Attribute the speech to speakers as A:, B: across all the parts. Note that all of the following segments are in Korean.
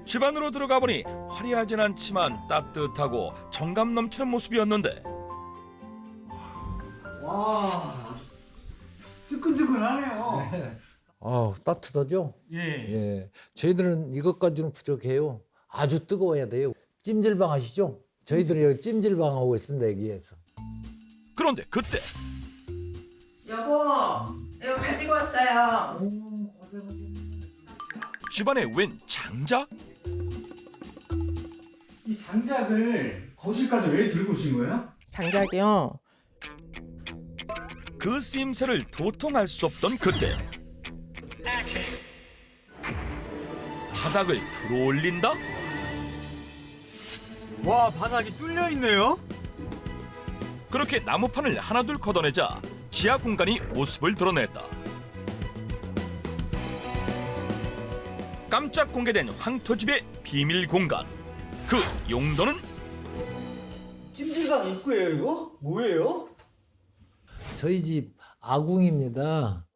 A: 집 안으로 들어가 보니 화려하진 않지만 따뜻하고 정감 넘치는 모습이었는데
B: 와, 뜨끈뜨끈하네요.
C: 따뜻하죠?
B: 예.
C: 예. 저희들은 이것까지는 부족해요. 아주 뜨거워야 돼요. 찜질방 아시죠? 저희들이 여기 찜질방 하고 있습니다, 여기에서.
A: 그런데 그때
D: 여보, 이거 가지고 왔어요.
A: 집안에 웬 장작?
B: 이 장작을 거실까지 왜 들고 오신 거예요?
D: 장작이요.
A: 그 쓰임새를 도통할 수 없던 그때 바닥을 들어올린다?
E: 와, 바닥이 뚫려 있네요.
A: 그렇게 나무판을 하나둘 걷어내자 지하 공간이 모습을 드러냈다. 깜짝 공개된 황토집의 비밀 공간. 그 용도는
E: 찜질방 입구예요, 이거? 뭐예요?
C: 저희 집 아궁입니다.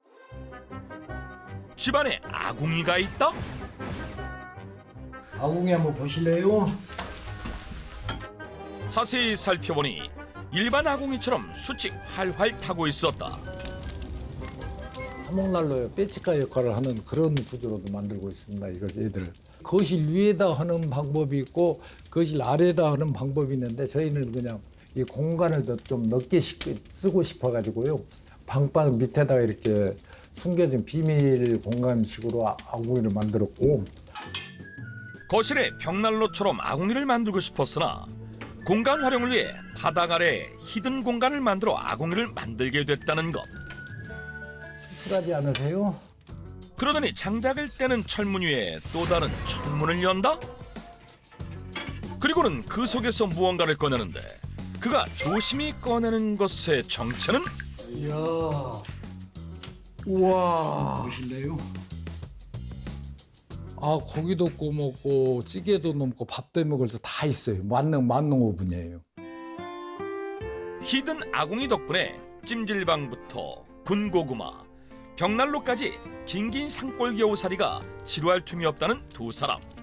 A: 집안에 아궁이가 있다?
C: 아궁이 한번 보실래요?
A: 자세히 살펴보니 일반 아궁이처럼 숯이 활활 타고 있었다.
C: 화목난로에 빼치카 역할을 하는 그런 구조로도 만들고 있습니다. 이거 얘들. 거실 위에다 하는 방법이 있고 거실 아래에다 하는 방법이 있는데 저희는 그냥 이 공간을 더 좀 넓게 쓰고 싶어가지고요. 방바닥 밑에다가 이렇게 숨겨진 비밀 공간식으로 아궁이를 만들었고
A: 거실에 벽난로처럼 아궁이를 만들고 싶었으나 공간 활용을 위해 바닥 아래에 히든 공간을 만들어 아궁이를 만들게 됐다는 것.
C: 씁쓸하지 않으세요?
A: 그러더니 장작을 떼는 철문 위에 또 다른 철문을 연다? 그리고는 그 속에서 무언가를 꺼내는데 그가 조심히 꺼내는 것의 정체는
E: 이야. 우와.
C: 보실래요? 고기도 구워 먹고 찌개도 넣고 밥도 먹을 때 다 있어요. 만능 오븐이에요.
A: 히든 아궁이 덕분에 찜질방부터 군고구마, 벽난로까지 긴긴 산골 겨우살이가 지루할 틈이 없다는 두 사람.